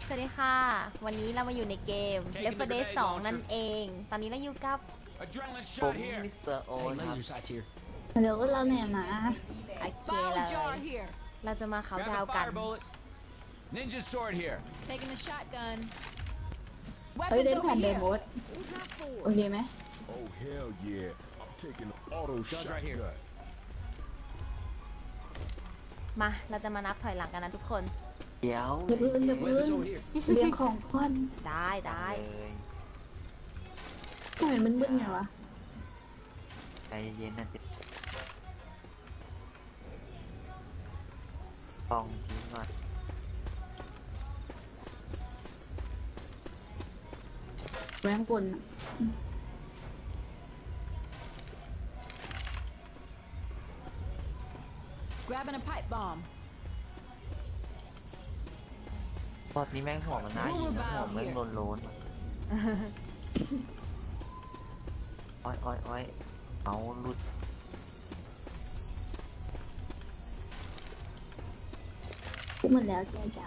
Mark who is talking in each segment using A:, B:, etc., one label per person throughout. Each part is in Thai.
A: สวัสดีค่ะ วันนี้เรามาอยู่ในเกม Left 4 Dead 2 นั่นเอง ตอนนี้เราอยู่กับ
B: Adrenaline
C: ผม
B: shot here.
C: มิสเตอร์โอ
B: Hey,
C: ครับ
B: laser sights here.
D: เดี๋ยวเราเนี่ยมา
A: โอเคเลย เราจะมาเขาน์
B: Grab
A: ดาว
B: the
A: น์กัน
B: fire bullets. Ninja sword here.
E: Taking the shotgun.
D: เฮ้ย
E: Weapons
D: เล่น
E: over
D: แผ่นเด
E: here.
D: โมดโอเคไหม
F: Oh hell yeah! I'm taking an auto
B: Guns right here.
F: shotgun.
A: มา เราจะมานับถอยหลังกันนะทุกคน
C: เดี๋ยว
D: อย่าพึ่งอย่าพึ่ง
B: Weapons over here.
D: เรียงของก่อน
A: ได้ได้
C: เลย
D: ทำไมมันมึนไงวะ
C: ใจเย็นๆนะจิฟองทิ้งก่อน
D: แรงบนอะ
E: Grabbing a pipe bomb.
C: พอดนี้แม่งหัวมันน่ายิงนะหัวแม่งโลนๆอะอ้อยอ้อยอ้อยเอาหลุด
D: พูดมันแล้วแกจ้ะ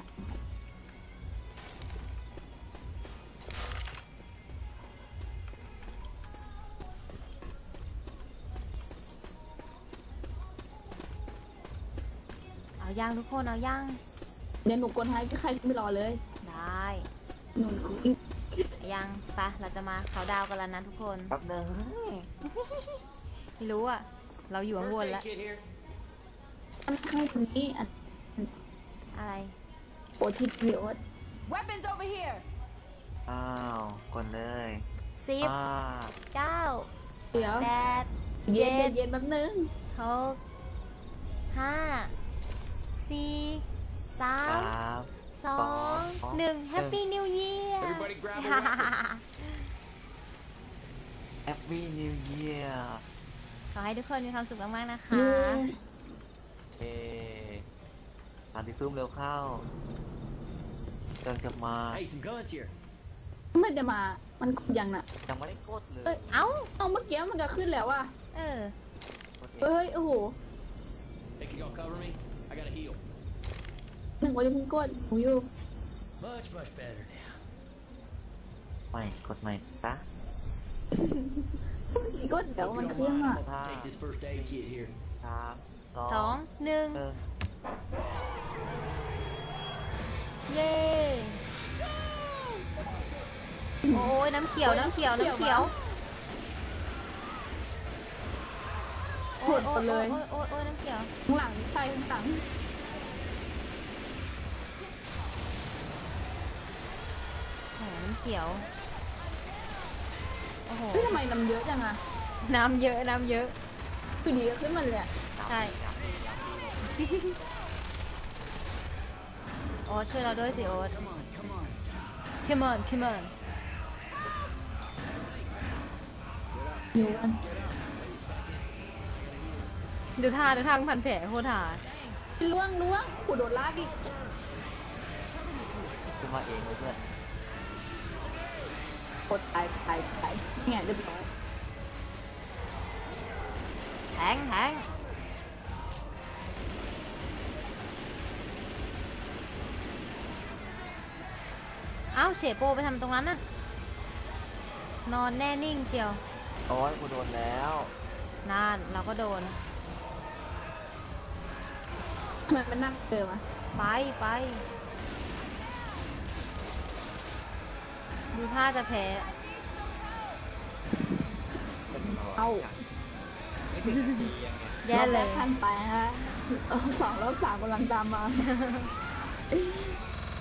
A: เอาย่างทุกคน เอาย่าง
D: เดี๋ยวหนูกดให้ใครไม่รอเลย
A: ได้
D: หนู
A: เอาย่างไปะเราจะมาเขาน์ดาวน์กันแล้วนะทุกคน
C: แป๊บนึง
A: ไม่รู้อะเราอยู่ข้างบน
B: First
A: แล้ว
B: aid kit here.
D: อันข้างตรงนี้อัน
A: อะไร
D: โอทิศวิโอต
E: Weapons over here.
C: อ้าวกดเลย
A: 10 9
D: เดี๋ยว
A: 8
D: เย็น
A: 7
D: เย็นแป๊บนึง
A: 6 5 4
C: ครั
A: 3
C: บ
A: 2 1 Happy New Year
B: Everybody grab a weapon.
C: แฮปปี้นิวเยียร์
A: ขอให้ทุกคนมีความสุขมากๆนะคะ
D: เย้
C: เอมาที่ซุ้มเร็วเข้าเดินจะมา
B: Hey, some guns here.
D: มันจะมา มันกดยังน่ะ
C: ยังไม่ได้กดเลย
D: เอ้ย
A: เอ้า
D: เอาเมื่อกี้มันก็ขึ้นแล้วว่ะ
A: เออ
C: กดเอง
D: เฮ้ย โอ้โห
B: Hey, can y'all cover me? I gotta heal.
D: หนึ่งวันจะเพิ่งกดหนูอยู่
B: Much, much better now.
C: ไม่กดใหม่ซะ
D: กดเดี๋ยวมันเครื่องอ่ะ
B: Take this first aid kit here.
C: ครับ
A: 2 1 เย้โอ้ยน้ำเขียว น้ำเขียว น้ำเขียว
D: หมดไปเลย
A: โอ้ยน้ำเขียว
D: ข้างหลังใช่ข้างหลัง
A: โอ้น้ำเขียว โอ้โห
D: เฮ้ยทำไมน้ำเยอะจังอะ
A: น้ำเยอะ น้ำเยอะ
D: อยู่ดีก็ขึ้นมาเลยอะ
A: ใช่ โอ๊ตช่วยเราด้วยสิโอ๊ต
B: Come on, come on.
A: Come on Come on
D: อยู่กัน
A: ดูท่ามึงพันแผลโคตรหา
D: ล่วงขู่โดนลากอีก
C: ขึ้นมาเองเลยเพื่อน
D: กดไปเนี่ยเรียบร้อย
A: แทงเอ้าเฉโปไปทำตรงนั้นน่ะ นอนแน่นิ่งเชียว
C: โอ้ยกูโดนแล้ว
A: นานเราก็โดน
D: ทำไมมันนั่งเกินวะ
A: ไป ดูท่าจะแพ้
D: เอา
A: แย่เลย
D: รอบแรกทันไปฮะ2 รอบ 3กำลังตามมา